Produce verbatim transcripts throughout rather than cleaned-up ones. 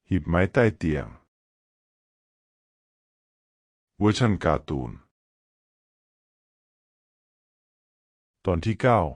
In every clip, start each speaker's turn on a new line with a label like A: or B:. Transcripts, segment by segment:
A: หีบไม้ใต้เตียงเวอร์ชันการ์ตูนตอนที่เก้า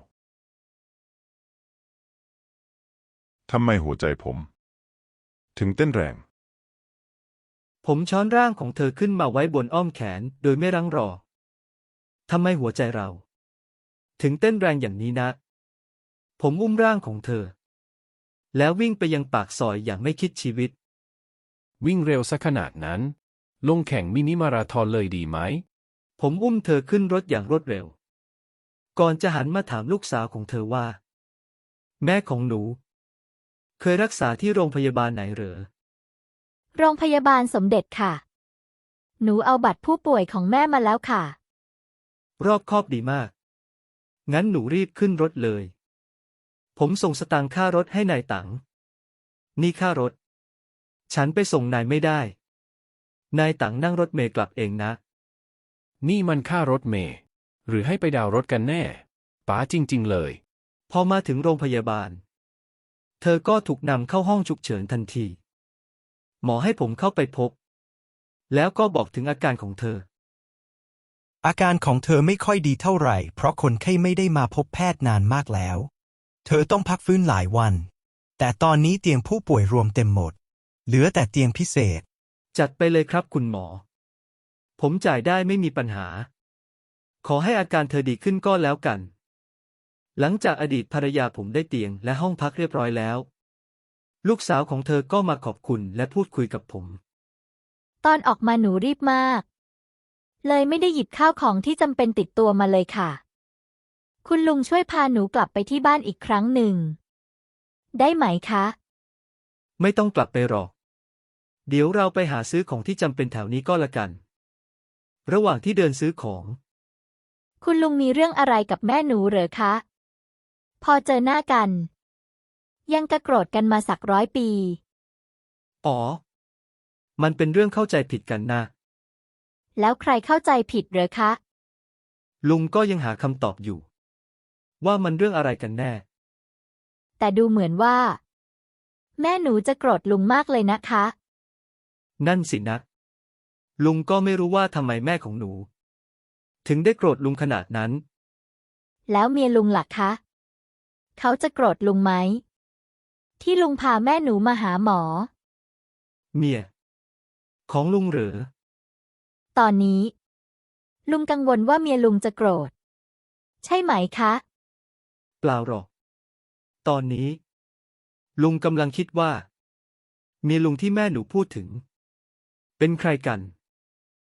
A: ทำไมหัวใจผมถึงเต้นแรง
B: ผมช้อนร่างของเธอขึ้นมาไว้บนอ้อมแขนโดยไม่รั้งรอทำไมหัวใจเราถึงเต้นแรงอย่างนี้นะผมอุ้มร่างของเธอแล้ววิ่งไปยังปากซอยอย่างไม่คิดชีวิต
C: วิ่งเร็วซะขนาดนั้นลงแข่งมินิมาราธอนเลยดีไหม
B: ผมอุ้มเธอขึ้นรถอย่างรวดเร็วก่อนจะหันมาถามลูกสาวของเธอว่าแม่ของหนูเคยรักษาที่โรงพยาบาลไหนเหรอ
D: โรงพยาบาลสมเด็จค่ะหนูเอาบัตรผู้ป่วยของแม่มาแล้วค่ะ
B: รอบคอบดีมากงั้นหนูรีบขึ้นรถเลยผมส่งสตางค์ค่ารถให้นายตังนี่ค่ารถฉันไปส่งนายไม่ได้นายตังนั่งรถเมล์กลับเองนะ
C: นี่มันค่ารถเมล์หรือให้ไปดาวน์รถกันแน่ป๋าจริงๆเลย
B: พอมาถึงโรงพยาบาลเธอก็ถูกนำเข้าห้องฉุกเฉินทันทีหมอให้ผมเข้าไปพบแล้วก็บอกถึงอาการของเธอ
E: อาการของเธอไม่ค่อยดีเท่าไหร่เพราะคนไข้ไม่ได้มาพบแพทย์นานมากแล้วเธอต้องพักฟื้นหลายวันแต่ตอนนี้เตียงผู้ป่วยรวมเต็มหมดเหลือแต่เตียงพิเศษ
B: จัดไปเลยครับคุณหมอผมจ่ายได้ไม่มีปัญหาขอให้อาการเธอดีขึ้นก็แล้วกันหลังจากอดีตภรรยาผมได้เตียงและห้องพักเรียบร้อยแล้วลูกสาวของเธอก็มาขอบคุณและพูดคุยกับผม
D: ตอนออกมาหนูรีบมากเลยไม่ได้หยิบข้าวของที่จำเป็นติดตัวมาเลยค่ะคุณลุงช่วยพาหนูกลับไปที่บ้านอีกครั้งหนึ่งได้ไหมคะ
B: ไม่ต้องกลับไปหรอกเดี๋ยวเราไปหาซื้อของที่จำเป็นแถวนี้ก็แล้วกันระหว่างที่เดินซื้อของ
D: คุณลุงมีเรื่องอะไรกับแม่หนูเหรอคะพอเจอหน้ากันยังกระโกรธกันมาสักร้อยปี
B: อ๋อมันเป็นเรื่องเข้าใจผิดกันนะ
D: แล้วใครเข้าใจผิดเหรอคะ
B: ลุงก็ยังหาคำตอบอยู่ว่ามันเรื่องอะไรกันแน่
D: แต่ดูเหมือนว่าแม่หนูจะโกรธลุงมากเลยนะคะ
B: นั่นสินะลุงก็ไม่รู้ว่าทำไมแม่ของหนูถึงได้โกรธลุงขนาดนั้น
D: แล้วเมียลุงล่ะคะเขาจะโกรธลุงไหมที่ลุงพาแม่หนูมาหาหมอ
B: เมียของลุงเหรอ
D: ตอนนี้ลุงกังวลว่าเมียลุงจะโกรธใช่ไหมคะ
B: เปล่าหรอกตอนนี้ลุงกำลังคิดว่าเมียลุงที่แม่หนูพูดถึงเป็นใครกัน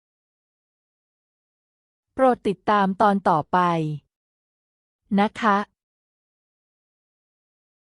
F: โปรดติดตามตอนต่อไปนะคะ